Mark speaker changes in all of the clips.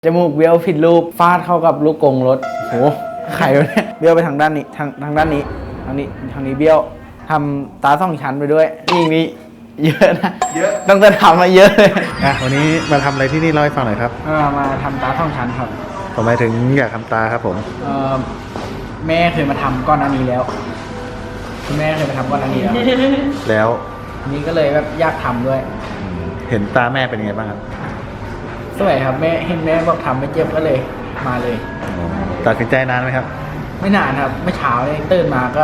Speaker 1: จมูกเบี้ยวผิดรูปฟาดเข้ากับลูกกรงรถโหไข่เนี่ยเบี้ยวไปทางด้านนี้ทางด้านนี้ทางนี้เบี้ยวทำตา2 ชั้นไปด้วยยิ่งนี้เยอะนะเยอะต้องจะทำมาเยอะเลย
Speaker 2: วันนี้มาทำอะไรที่นี่เล่าให้ฟังหน่อยครับ
Speaker 1: มาทำตา2 ชั้นครับ
Speaker 2: ทำไมถึงอยากทำตาครับผม
Speaker 1: แม่เคยมาทำก้อนอันนี้แล้วคุณแม่เคยมาทำก้อนอันนี้แล้วอันนี้ก็เลยแบบอยากทำด้วย
Speaker 2: เห็นตาแม่เป็นยังไงบ้างครับ
Speaker 1: สวยครับแม่เห็นแม่บอกทำไม่เจ็บก็เลยมาเลย
Speaker 2: ตัดสินใจนานไหมครับ
Speaker 1: ไม่นานครับไม่เช้าเลยตื่นมาก็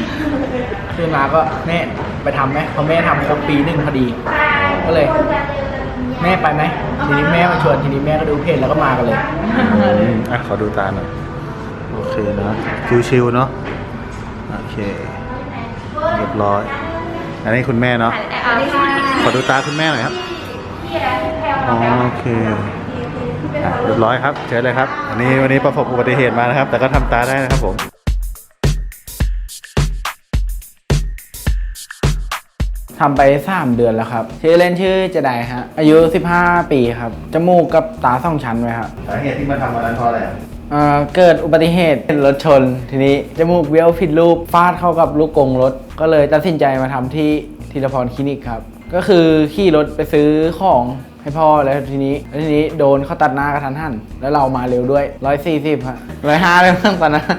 Speaker 1: แม่ไปทำไหมพอแม่ทำครบปี1พอดีก็เลยแม่ไปไหมทีนี้แม่มาชวนทีนี้แม่ก็ดูเพจแล้วก็มากันเลย
Speaker 2: ขอดูตาหน่อยโอเคนะชิวๆเนาะโอเคเรียบร้อยอันนี้คุณแม่เนาะขอดูตาคุณแม่หน่อยครับโอเคเรียบร้อยครับเชิญเลยครับวันนี้ประสบอุบัติเหตุมานะครับแต่ก็ทำตาได้นะครับผม
Speaker 1: ทำไป3 เดือนแล้วครับชื่อเล่นชื่อเจไดฮะอายุ15 ปีครับจมูกกับตา2 ชั้นไว้ครับ
Speaker 2: สาเหตุที่มาทำวันนั้นเพราะอะไร
Speaker 1: เกิดอุบัติเหตุรถชนทีนี้จมูกเบี้ยวผิดรูปฟาดเข้ากับลูกกรงรถก็เลยตัดสินใจมาทำที่ธีรพรคลินิกครับก็คือขี่รถไปซื้อของให้พ่อแล้วทีนี้โดนเขาตัดหน้ากระทันหันแล้วเรามาเร็วด้วย140ฮะ150เลยตอนนั้น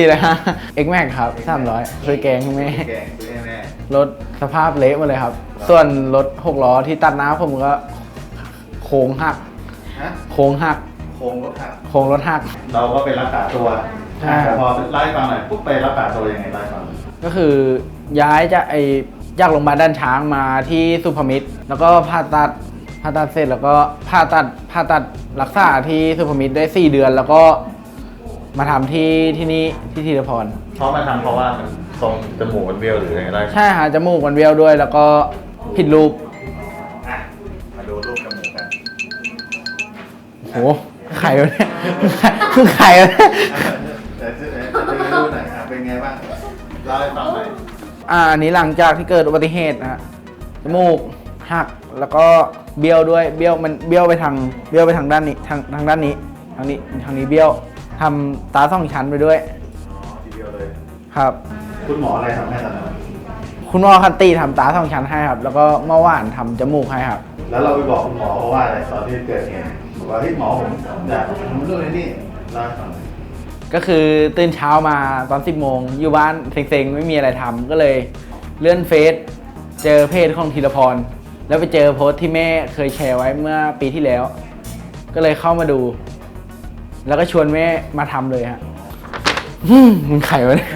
Speaker 1: 450 X Max ครับ300ซื้อแกงให้แม่รถสภาพเละหมดเลยครับส่วนรถ6 ล้อที่ตัดหน้าผมก็โค้งหักโค้งรถหัก
Speaker 2: เราก็ไปรักษาตัวแต่พอไล่ฟังหน่อยปุ๊บไปรักษาตัวยังไงไล่ฟัง
Speaker 1: ก็คือย้ายจากโรงพยาบาลด้านช้างมาที่สุพมิตรแล้วก็ผ่าตัดเสร็จแล้วก็ผ่าตัดรักษาที่สุพมิตรได้4 เดือนแล้วก็มาทำที่นี่ที่ธีรพร
Speaker 2: เพราะมาทำเพราะว่ามันทรงจมูกมันเบี้ยวหรืออะไรได้
Speaker 1: ใช่ฮะจมูกมันเบี้ยวด้วยแล้วก็ผิดรูป
Speaker 2: มาดูรูปจมูกกัน
Speaker 1: โหไข่เนี่ยไข่
Speaker 2: เนี่ยจะดูหน่อยเป็นไงบ้างเล่าให้ฟังหน่อย
Speaker 1: อันนี้หลังจากที่เกิดอุบัติเหตุนะจมูกหักแล้วก็เบี้ยวด้วยเบี้ยวไปทางด้านนี้ทางด้านนี้ทางนี้เบี้ยวทำตา2 ชั้นไปด้วย
Speaker 2: ทีเดียวเลย
Speaker 1: ครับ
Speaker 2: คุณหมออะไรทำให้ตอนนั้น
Speaker 1: คุณหมอคันตีทำตา2 ชั้นให้ครับแล้วก็เมื่อวานทำจมูกให้ครับ
Speaker 2: แล้วเราไปบอกคุณหมอเพราะว่าอะไรตอนที่เกิดเหตุบอกว่าหมอผมอยากทำเรื่องนี้เล่าให้ฟัง
Speaker 1: ก็คือตื่นเช้ามาตอน10 โมงอยู่บ้านเซ็งๆไม่มีอะไรทำก็เลยเลื่อนเฟซเจอเพจของธีรพรแล้วไปเจอโพสต์ที่แม่เคยแชร์ไว้เมื่อปีที่แล้วก็เลยเข้ามาดูแล้วก็ชวนแม่มาทำเลยฮะมันไข่วะเนี่ย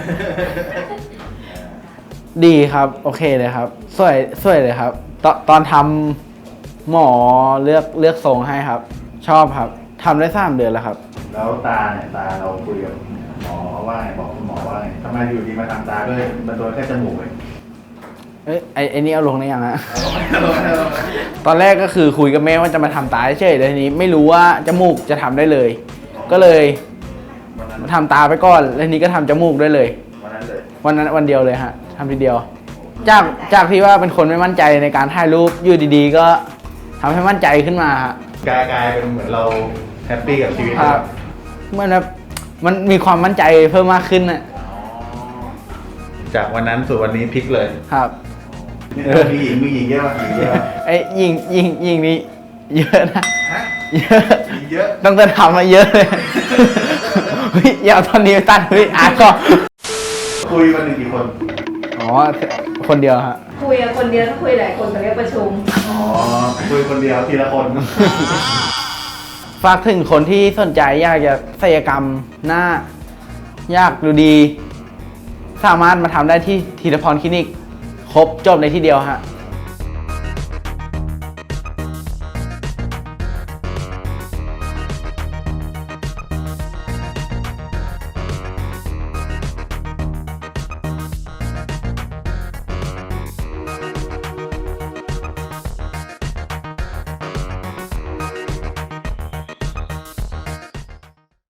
Speaker 1: ดีครับโอเคเลยครับสวยเลยครับตอนทำหมอเลือกทรงให้ครับชอบครับทำได้3 เดือนแล้วครับ
Speaker 2: แล้วตาเนี่ยตาเราคุยกับหมอว่าไงบอกคุณหมอว่าไงทำไมอยู่ดีมาทำตาด้วยมันโดนแค่จมูกเลย
Speaker 1: ไอ้นี่เอาลงได้ยังฮะตอนแรกก็คือคุยกับแม่ว่าจะมาทำตาเฉยๆแต่ทีนี้ไม่รู้ว่าจมูกจะทำได้เลยก็เลยมาทำตาไปก่อนแล้วทีนี้ก็ทำจมูกได้เลยวันเดียวเลยฮะทำทีเดียวจากที่ว่าเป็นคนไม่มั่นใจในการถ่ายรูปอยู่ดีๆก็ทำให้มั่นใจขึ้นมาฮะ
Speaker 2: กลายเป็นเหมือนเราแฮปปี้กับชีวิต
Speaker 1: ครับเหมือนแบบมันมีความมั่นใจเพิ่มมากขึ้นนะ
Speaker 2: จากวันนั้นสู่วันนี้พลิกเลย
Speaker 1: ครับ
Speaker 2: มีหญิงเยอะมาก
Speaker 1: ไอ้หญิงนี่เยอะนะ
Speaker 2: เยอะ
Speaker 1: ต้องจะทำมาเยอะเลยอย่าตอนนี้ไปตัดก็
Speaker 2: คุยวันหนึ่งกี่คน
Speaker 1: คนเดียวฮะ
Speaker 3: คุยคนเดียวต้องคุยหลายคนแต่เรียกประชุม
Speaker 2: คุยคนเดียวทีละคน
Speaker 1: ฝากถึงคนที่สนใจอยากจะศัลยกรรมหน้าอยากดูดีสามารถมาทำได้ที่ธีรพรคลินิกครบจบในที่เดียวฮะ